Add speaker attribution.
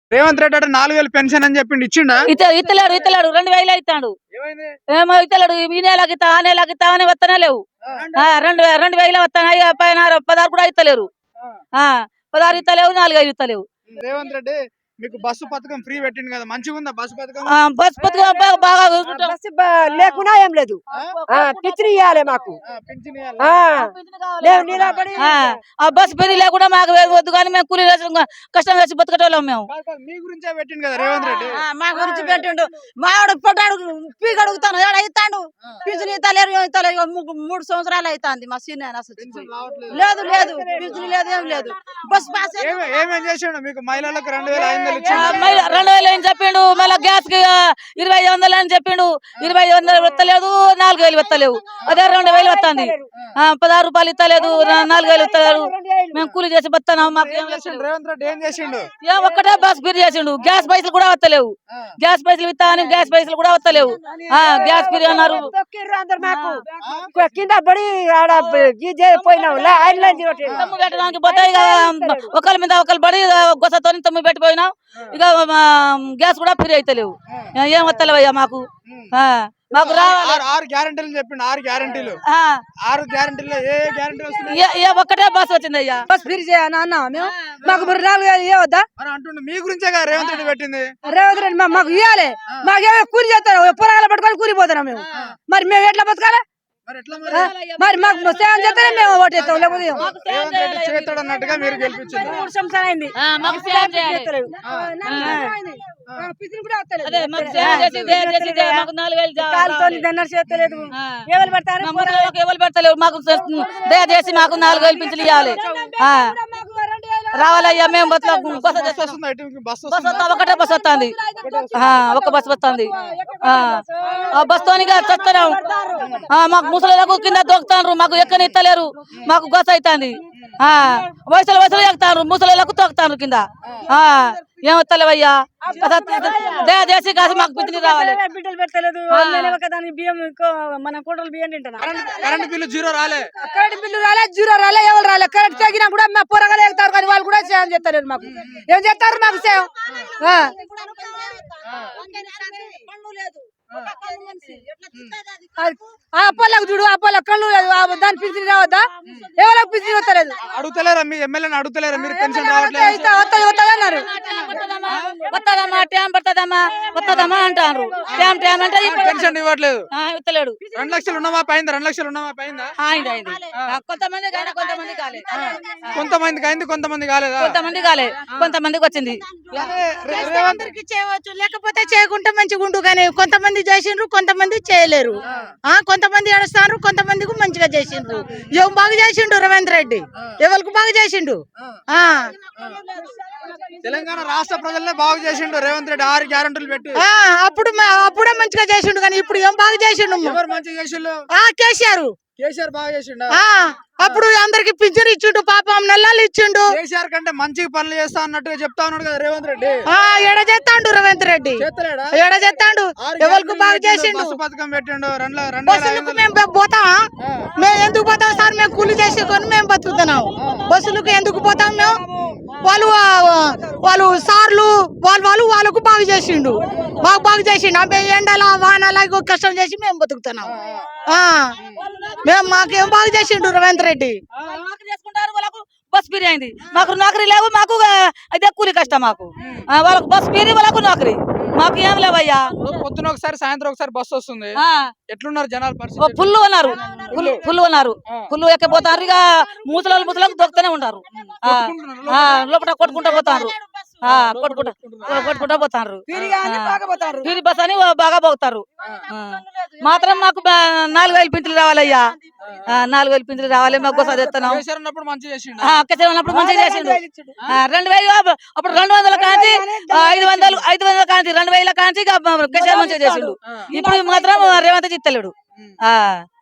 Speaker 1: రేవంత్ రెడ్డి అంటే 4000 పెన్షన్ అని చెప్పిండు, ఇచ్చిండా?
Speaker 2: ఇత్తలేడు 2000 ఇస్తాడు. ఏమో ఇత్తలేడు. ఈ నెలకి ఇస్తా ఆ నెలకి ఇస్తా అని వస్తనే లేవు. 2000 వస్తాయి, పైన 16 కూడా ఇస్తలేరు. 16 ఇస్తలేవు, 4000 ఇస్తలేవు.
Speaker 1: రేవంత్ రెడ్డి మీకు బస్సు పథకం ఫ్రీ పెట్టిండు కదా, మంచిగా ఉందా బస్సు పథకం?
Speaker 2: బస్ పథకం బాగా
Speaker 3: లేకున్నా ఏం లేదు, పిచ్చిని ఇవ్వాలి మాకు.
Speaker 2: బస్ పెళ్లి లేకుండా మాకు వద్దు, కానీ మేము కూలీ కష్టం చేసి బతకటోళ్ళం మేము.
Speaker 1: మీ గురించే పెట్టిండు కదా రేవంత్ రెడ్డి.
Speaker 3: మా గురించి పెట్టిండు. మావాడు పొట్టాడు పీక్ అడుగుతాను, ఇస్తాడు. పిచ్చిని ఇస్తలేరు, 3 సంవత్సరాలు అవుతుంది. మా సీనియర్ లేదు లేదు, పిచ్చిని లేదు, ఏం లేదు. బస్ పాస్
Speaker 1: ఏమేం చేసిండు మీకు? మహిళలకు 2500
Speaker 2: 2000 అని చెప్పిండు. మళ్ళీ గ్యాస్ కి 2500 అని చెప్పిండు. 2500 వస్తలేదు, 4000 వస్తలేవు. అదే 2000 వస్తుంది. 16 రూపాయలు ఇస్తలేదు, 4000 ఇస్తలేడు. మేము కూలి చేసి బతున్నాం. మాకు
Speaker 1: రేవంత్ రెడ్డి ఏం చేసిండు?
Speaker 2: ఒక్కటే బస్ ఫ్రీ చేసిండు. గ్యాస్ పైసలు కూడా వస్తలేవు. గ్యాస్ పైసలు ఇస్తా అని గ్యాస్ పైసలు కూడా వస్తలేవు. గ్యాస్ ఫ్రీ అన్నారు.
Speaker 3: కింద పడి పోయినాం.
Speaker 2: తమ్ము పెట్టడానికి పోతాయి. ఒకరి మీద ఒకరు పడి గొసతో తమ్ము పెట్టిపోయినాం. ఇక గ్యాస్ కూడా ఫ్రీ అయితలేవు. ఏం వస్తలేవయ్యా మాకు. మాకు
Speaker 1: ఆరు గ్యారెంటీలు చెప్పిండు. 6 గ్యారెంటీలు. 6 గ్యారెంటీలు ఏ గ్యారెంటీ వస్తుంది?
Speaker 2: ఒక్కటే బస్ వచ్చింది అయ్యా.
Speaker 3: బస్ ఫ్రీ చేయనా మేము? మాకు 4 వద్దా
Speaker 1: అంటుండే. మీ గురించే కదా రేవంత్ రెడ్డి పెట్టింది.
Speaker 3: రేవంత్ రెడ్డి మాకు ఇవ్వాలి. మాకు కూలి చేస్తారు, పొరగాల పట్టుకొని కూలిపోతున్నాం మేము. మరి మేము ఎట్లా బతకాలి? మరి మాకు సేవం చేస్తేనే మేము ఓటు వేస్తాం, లేకపోతే
Speaker 1: చేస్తాడు అన్నట్టుగా మీరు గెలిపించారు.
Speaker 3: 3 సంవత్సరాలు అయింది.
Speaker 2: ఎవరు పెడతలేవు. మాకు దయచేసి మాకు 4000 పింఛన్లు ఇవ్వాలి. రావాలయ్యా. మేము ఒకటే బస్ వస్తుంది. ఒక బస్ వస్తుంది. బస్ తోనిగా చస్తున్నాం. మాకు ముసలిలకు కింద దొక్కుతారు. మాకు ఎక్కని ఇస్తలేరు. మాకు గొస అవుతుంది. వయసులు ఎక్కుతారు, ముసలిలకు తొక్కుతారు కింద. ఏమొస్తలేవయ్యా. దయచేసి కాదు మాకు పింఛన్ రావాలి.
Speaker 3: బిడ్డలు పెట్టలేదు. బియ్యం మన కోటలు బియ్యం తింటున్నా.
Speaker 1: కరెంట్ బిల్లు జీరో రాలే.
Speaker 3: కరెంట్ బిల్లు రాలే, జీరో రాలే, ఎవరు రాలే. కరెంట్ తగ్గినా కూడా మా పొరగలు ఎగుతారు, కానీ వాళ్ళు కూడా సేవం చేస్తారు. మాకు ఏం చేస్తారు? మాకు సేవం అప్పలకు చూడు, అప్పల కళ్ళు లేదు. దాని పింఛన్ రావద్దా? ఎవరికి పింఛన్ వస్తలేదు.
Speaker 1: అడుగుతలేరా? మీ ఎమ్మెల్యేని అడుగుతలేరా మీరు? పెన్షన్ రావట్లేదు
Speaker 3: అన్నారు.
Speaker 2: వస్తుందమ్మా, టైం పడుతుందమ్మా, వస్తుందమ్మా అంటారు. టైం అంటే
Speaker 1: పెన్షన్ ఇవ్వట్లేదు.
Speaker 2: ఇస్తలేడు.
Speaker 1: 2 లక్షలు ఉన్నామా పైందా? 2 లక్షలు ఉన్నామా పైందా?
Speaker 2: అయింది. కొంతమంది కొంతమంది కాలే.
Speaker 1: కొంతమందికి అయింది, కొంతమంది కాలేదా?
Speaker 2: కొంతమంది కాలే, కొంతమందికి వచ్చింది.
Speaker 3: అందరికి చేయవచ్చు, లేకపోతే చేయకుంటే మంచిగా ఉండు. కానీ కొంతమంది చేసిండ్రు, కొంతమంది చేయలేరు. కొంతమంది ఏడుస్తారు, కొంతమందికి మంచిగా చేసిండ్రు. ఏం బాగా చేసిండు రేవంత్ రెడ్డి? ఎవరికి బాగా చేసిండు?
Speaker 1: తెలంగాణ రాష్ట్ర ప్రజలనే బాగు చేసిండు రేవంత్ రెడ్డి. 6 గ్యారెంటీలు పెట్టి
Speaker 3: అప్పుడే మంచిగా చేసిండు. కానీ ఇప్పుడు ఏం బాగా చేసిండు?
Speaker 1: ఎవరు మంచిగా చేసిండు? కేసీఆర్ బాగా చేసిండు.
Speaker 3: అప్పుడు అందరికి పింఛన్ ఇచ్చిండు, పాపం నెలలు ఇచ్చిండు.
Speaker 1: కేసీఆర్ కంటే మంచి పనులు చేస్తా అన్నట్టుగా చెప్తా ఉన్నాడు కదా రేవంత్ రెడ్డి.
Speaker 3: ఎడ చేస్తాడు రేవంత్ రెడ్డి? ఎడ చేస్తాడు? ఎవరికి బాగా చేసిండు?
Speaker 1: బస్సు పథకం పెట్టిండు.
Speaker 3: బస్సులకు మేము పోతామా? మేము ఎందుకు పోతాం సార్? మేము కూలి చేసుకొని మేము బతుకుతున్నాం. బస్సులకు ఎందుకు పోతాం మేము? వాళ్ళు సార్లు వాళ్ళకు బాగా చేసిండు, మాకు బాగా చేసిండు. మేము ఎండల వానల కష్టం చేసి మేము బతుకుతున్నాం. మాకేం బాగా చేసిండు రేవంత్ రెడ్డి?
Speaker 2: బస్ ఫ్రీ అయింది. మాకు నౌకరీ లేవు. మాకు అయితే కూలి కష్టం. మాకు వాళ్ళకు బస్ ఫ్రీ, వాళ్ళకు నౌకరీ. మాకు ఏం లేవయ్యా.
Speaker 1: పొద్దున ఒకసారి, సాయంత్రం ఒకసారి బస్సు వస్తుంది. ఎట్లున్నారు జనాలు? పరిస్థితి
Speaker 2: ఫుల్ ఉన్నారు. ఫుల్ ఎక్కిపోతారు. ఇక ముసలకు దొక్కుతూనే ఉంటారు. లోపల కొట్టుకుంటా పోతారు. కొట్టుకుంటా పోతారు. ఫీరి బస్ అని బాగా పోతారు. మాత్రం మాకు 4000 పింఛన్లు రావాలయ్యా. 4000 పింఛన్లు రావాలి. మాకు గొస తెస్తున్నాం.
Speaker 1: ఉన్నప్పుడు మంచిగా చేసిండు.
Speaker 2: 2000 అప్పుడు 200 కాంచి 500 కాంచి 2000 కాంచి కేసీఆర్ మంచిగా చేసిండు. ఇప్పుడు మాత్రం రేవంత్ ఇస్తలేడు.